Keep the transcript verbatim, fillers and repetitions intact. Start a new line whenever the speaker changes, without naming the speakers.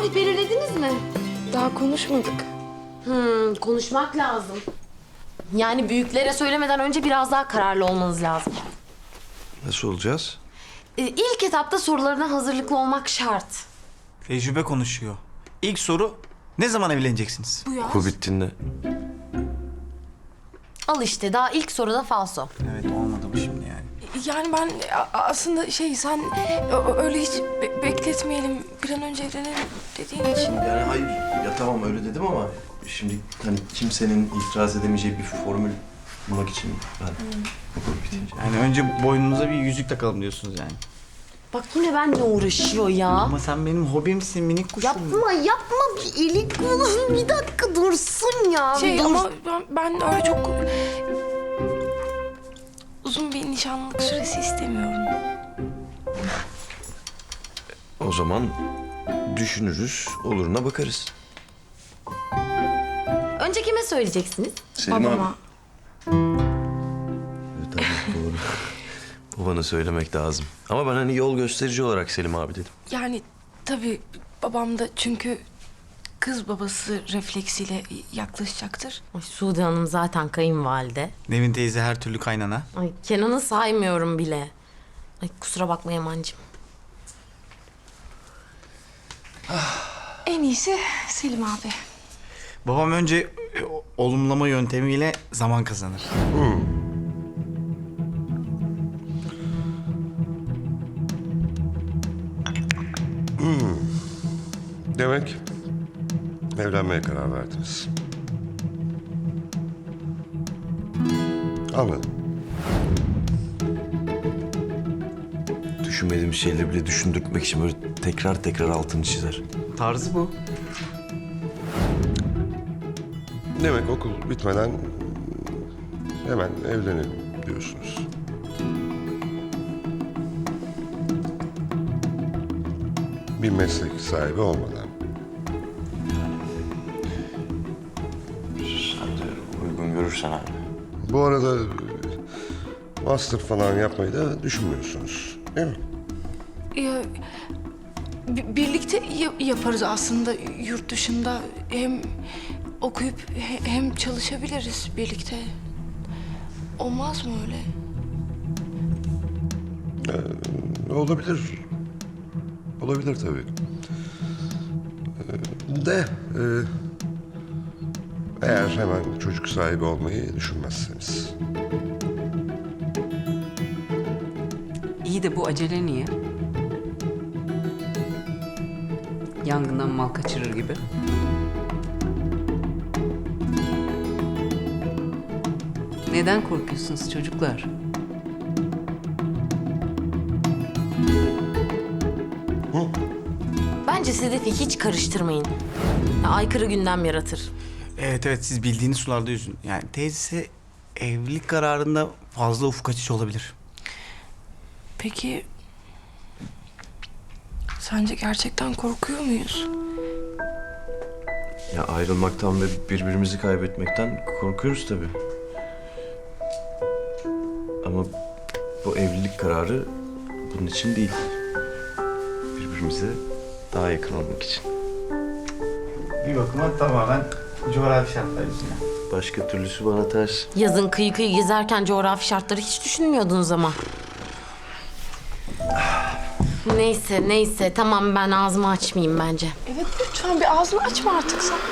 tarih belirlediniz mi?
Daha konuşmadık.
Hmm, konuşmak lazım. Yani büyüklere söylemeden önce biraz daha kararlı olmanız lazım.
Nasıl olacağız?
Ee, ilk etapta sorularına hazırlıklı olmak şart.
Tecrübe konuşuyor. İlk soru, ne zaman evleneceksiniz?
Bu yaz.
Okul bittiğinde.
Al işte daha ilk soruda falso.
Evet, olmadı bu şimdi yani.
Yani ben a- aslında şey sen ö- öyle hiç be- bekletmeyelim bir an önce evlenelim dediğin için.
Yani hayır, ya tamam öyle dedim ama şimdi hani kimsenin itiraz edemeyeceği bir formül bulmak için ben okul bitince.
Yani önce boynunuza bir yüzük takalım diyorsunuz yani.
Bak yine benimle uğraşıyor ya.
Ama sen benim hobimsin, minik kuşum.
Yapma yapma bir eli kolun bir dakika dursun ya.
Şey
Dur.
ama ben, ben öyle çok uzun bir nişanlılık süresi istemiyorum.
O zaman düşünürüz, oluruna bakarız.
Önce kime söyleyeceksiniz?
Selim
Babama.
abi. Evet, tabii doğru. Babana söylemek lazım. Ama ben hani yol gösterici olarak Selim abi dedim.
Yani tabii babam da çünkü kız babası refleksiyle yaklaşacaktır.
Ay, Sude Hanım zaten kayınvalide.
Nevin teyze her türlü kaynana.
Ay Kenan'ı saymıyorum bile. Ay kusura bakma Yaman'cığım.
En iyisi Selim abi.
Babam önce e, o- olumlama yöntemiyle zaman kazanır.
Demek evlenmeye karar verdiniz. Anladım.
Düşünmediğim şeyleri bile düşündürtmek için böyle tekrar tekrar altını çizer.
Tarzı bu.
Demek okul bitmeden hemen evlenelim diyorsunuz. Bir meslek sahibi olmadan.
Sen de uygun görürsen abi.
Bu arada master falan yapmayı da düşünmüyorsunuz, değil mi?
Ya, bi- birlikte ya- yaparız aslında yurt dışında. Hem okuyup he- hem çalışabiliriz birlikte. Olmaz mı öyle?
Olabilir. Olabilir tabii. Ee, De e, eğer hemen çocuk sahibi olmayı düşünmezseniz.
İyi de bu acele niye? Yangından mal kaçırır gibi. Neden korkuyorsunuz çocuklar?
Bence Sedef'i hiç karıştırmayın. Ya, aykırı gündem yaratır.
Evet evet, siz bildiğiniz sularda yüzün. Yani teyze evlilik kararında fazla ufuk açıcı olabilir.
Peki sence gerçekten korkuyor muyuz?
Ya ayrılmaktan ve birbirimizi kaybetmekten korkuyoruz tabii. Ama bu evlilik kararı bunun için değil. Birbirimize daha yakın olmak için.
Bir bakıma tamamen coğrafi şartlar yüzünden.
Başka türlüsü bana ters.
Yazın kıyı kıyı gezerken coğrafi şartları hiç düşünmüyordunuz ama. Neyse neyse tamam ben ağzımı açmayayım bence.
Evet lütfen bir ağzını açma artık sen.